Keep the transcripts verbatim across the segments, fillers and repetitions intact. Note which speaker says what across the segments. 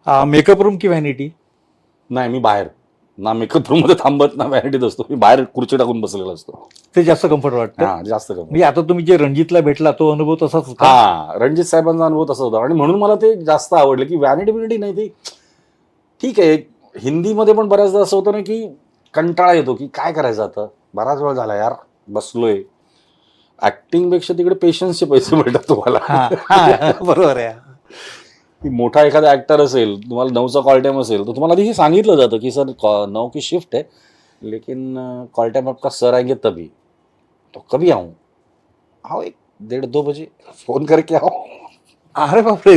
Speaker 1: Makeup room की vanity?
Speaker 2: नाही, मी बाहेर ना मेकअप रूम मध्ये थांबत ना व्हॅनिटीत असतो. मी बाहेर खुर्ची टाकून बसलेला असतो.
Speaker 1: ते जास्त कम्फर्ट वाटतं.
Speaker 2: हा, जास्त कम्फर्ट.
Speaker 1: म्हणजे आता तुम्ही जे रणजितला भेटला तो अनुभव तसाच होता?
Speaker 2: हा, रणजित साहेबांचा अनुभव तसा होता आणि म्हणून मला ते जास्त आवडलं की व्हॅनिटी बिनिटी नाही. ते ठीक आहे, हिंदीमध्ये पण बऱ्याचदा असं होतं ना की कंटाळा येतो की काय करायचं आता, बराच वेळ झाला यार बसलोय. ऍक्टिंग पेक्षा तिकडे पेशन्सचे पैसे मिळतात तुम्हाला.
Speaker 1: बरोबर आहे.
Speaker 2: मोठा एखादा ऍक्टर असेल, तुम्हाला नऊचा कॉल टाइम असेल तर तुम्हाला आधी हे सांगितलं जातं की सर नौ की शिफ्ट है लेकिन कॉल टाइम आपका सर आएंगे तभी, तो कभी आऊं? आओ एक डेढ़ दो बजे फोन करके आओ.
Speaker 1: अरे बापरे.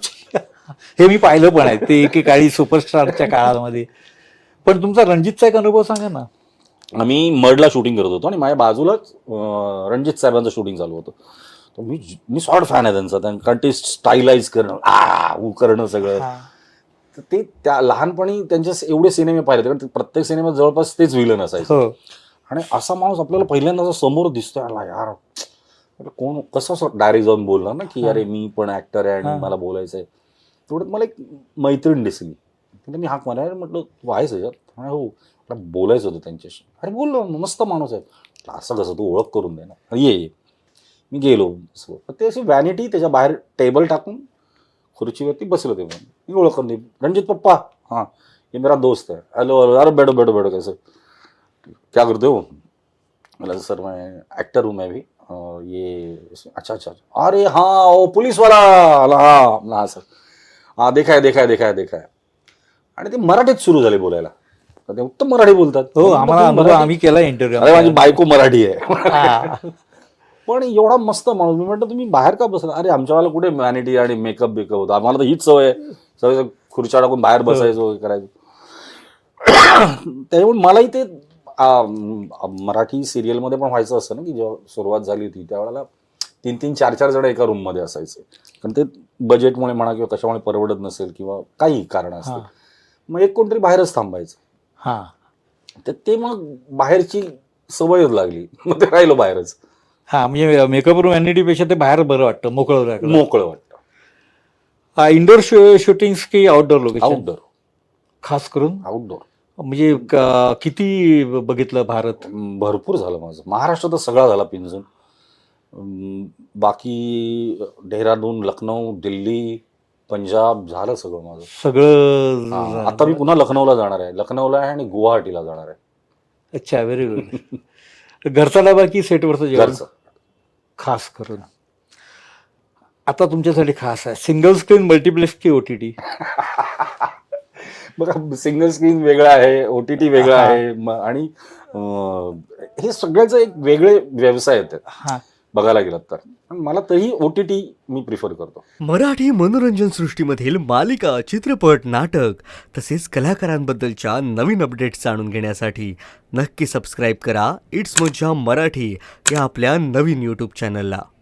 Speaker 1: हे मी पाहिलं पण आहे ते एकेकाळी सुपरस्टारच्या काळामध्ये. पण तुमचा रणजितचा एक अनुभव सांगा ना.
Speaker 2: आम्ही मडला शूटिंग करत होतो आणि माझ्या बाजूलाच रणजित साहेबांचं शूटिंग चालू होतं. तर मी मी सॉर्ट फॅन आहे त्यांचा. कारण ते स्टाईलाइज करणं, आ ऊ करणं सगळं. तर ते त्या लहानपणी त्यांचे एवढे सिनेमे पाहिले कारण प्रत्येक सिनेमात जवळपास तेच विलन असायचं. आणि असा माणूस आपल्याला पहिल्यांदा समोर दिसतोय, यार कोण कसं डायरेक्ट जाऊन बोलणार ना की अरे मी पण ऍक्टर आहे आणि मला बोलायचंय. तेवढ्यात मला एक मैत्रीण दिसली. मी हाक मारायला म्हटलं तू आहेस याच्यात? हो, बोलायचं होतं त्यांच्याशी. अरे बोललो, मस्त माणूस आहे. असं कसं, तू ओळख करून दे ना. ये ये. मी गेलो. ते अशी व्हॅनिटी त्याच्या बाहेर टेबल टाकून खुर्चीवरती बसलो. ते मी ओळख करून दे, रणजित पप्पा, हाँ ये मेरा दोस्त है. हॅलो हॅलो, अरे बैठो बैठो बैठो. कैसे क्या करते हो? मला सर मैं एक्टर हूँ मैं भी. ये अच्छा अच्छा. अरे हाँ वो पुलिस वाला. हाँ हाँ सर, हाँ देखा है देखा है देखा है देखा है. आणि ते मराठीत सुरू झाले बोलायला. ते उत्तम मराठी बोलतात.
Speaker 1: हो, आम्हाला आम्ही केला इंटरव्ह्यू.
Speaker 2: अरे माझी बायको मराठी आहे. पण एवढा मस्त माणूस. मी म्हटलं तुम्ही बाहेर का बसला? अरे आमच्यावाला कुठे व्हॅनिटी आणि मेकअप बिकअप होता, आम्हाला तर हीच सवय आहे. सगळं खुर्च्या टाकून बाहेर बसायचो, करायचो. त्यामुळे मलाही ते मराठी सिरियलमध्ये पण व्हायचं असतं ना की जेव्हा सुरुवात झाली होती त्यावेळेला तीन तीन चार चार जण एका रूममध्ये असायचे. कारण ते बजेटमुळे म्हणा किंवा कशामुळे परवडत नसेल किंवा काही कारण असतं, मग एक कोणतरी बाहेरच थांबायचं.
Speaker 1: हा,
Speaker 2: तर ते मग बाहेरची सवयच लागली, मग ते राहिलो बाहेरच.
Speaker 1: हा, म्हणजे मेकअप रूम व्हॅनिटीपेक्षा ते बाहेर बरं वाटतं, मोकळं
Speaker 2: मोकळं वाटतं.
Speaker 1: इंडोर शूटिंग की आउटडोर लोकेशन?
Speaker 2: आउटडोर,
Speaker 1: खास करून
Speaker 2: आउटडोर.
Speaker 1: म्हणजे किती बघितलं भारत?
Speaker 2: भरपूर झालं माझं. महाराष्ट्रात सगळा झाला पिंजून. बाकी डेहराडून, लखनौ, दिल्ली, पंजाब झालं सगळं माझं.
Speaker 1: सगळं.
Speaker 2: आता मी पुन्हा लखनौला जाणार आहे. लखनौला आहे आणि गुवाहाटीला जाणार आहे.
Speaker 1: अच्छा, व्हेरी गुड. घरचा डबा की सेटवरचं जेवण?
Speaker 2: घरचं.
Speaker 1: खास करून आता तुमच्यासाठी खास आहे सिंगल स्क्रीन, मल्टिप्लेक्स की ओटीटी?
Speaker 2: बघा, सिंगल स्क्रीन वेगळं आहे, ओटीटी वेगळं आहे आणि हे सगळ्याचं एक वेगळे व्यवसाय आहेत बघायला गेलात तर. मला तरी ओटीटी मी प्रिफर करतो.
Speaker 3: मराठी मनोरंजन सृष्टीमधील मालिका, चित्रपट, नाटक तसेच कलाकारांबद्दलच्या नवीन अपडेट्स जाणून घेण्यासाठी नक्की सबस्क्राईब करा इट्स मज्जा मराठी या आपल्या नवीन यूट्यूब चॅनलला.